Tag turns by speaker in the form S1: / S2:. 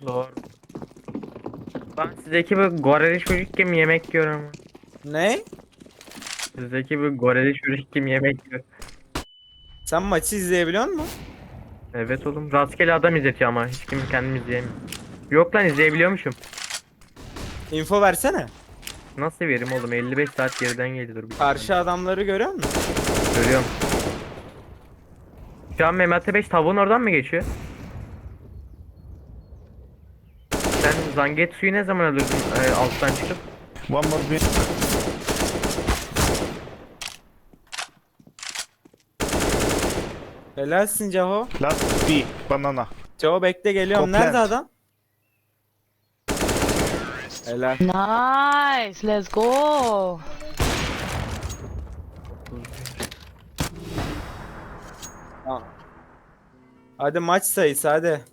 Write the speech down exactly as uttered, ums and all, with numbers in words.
S1: Doğru. Ben sizdeki bu gorili çocuk kim yemek yiyor ama.
S2: Ne?
S1: Sizdeki bu gorili çocuk kim yemek yiyor.
S2: Sen maçı izleyebiliyor musun?
S1: Evet oğlum. Rastgele adam izletiyor ama hiç kim kendim izleyemiyor. Yok lan izleyebiliyormuşum.
S2: Info versene.
S1: Nasıl verim oğlum? elli beş saat geriden geliyor bir tane.
S2: Karşı adamları görüyor musun?
S1: Görüyorum. Şu an Mehmet beş tavuğun oradan mı geçiyor? Sen Zangetsu'yu ne zaman öldürdün e, alttan çıkıp?
S3: One more B.
S2: Helalsin Caho.
S3: Last B. Banana.
S2: Caho bekle geliyorum.
S3: Copland.
S2: Nerede adam? Helal.
S4: Nice, let's go.
S2: Tamam. Hadi maç sayısı hadi.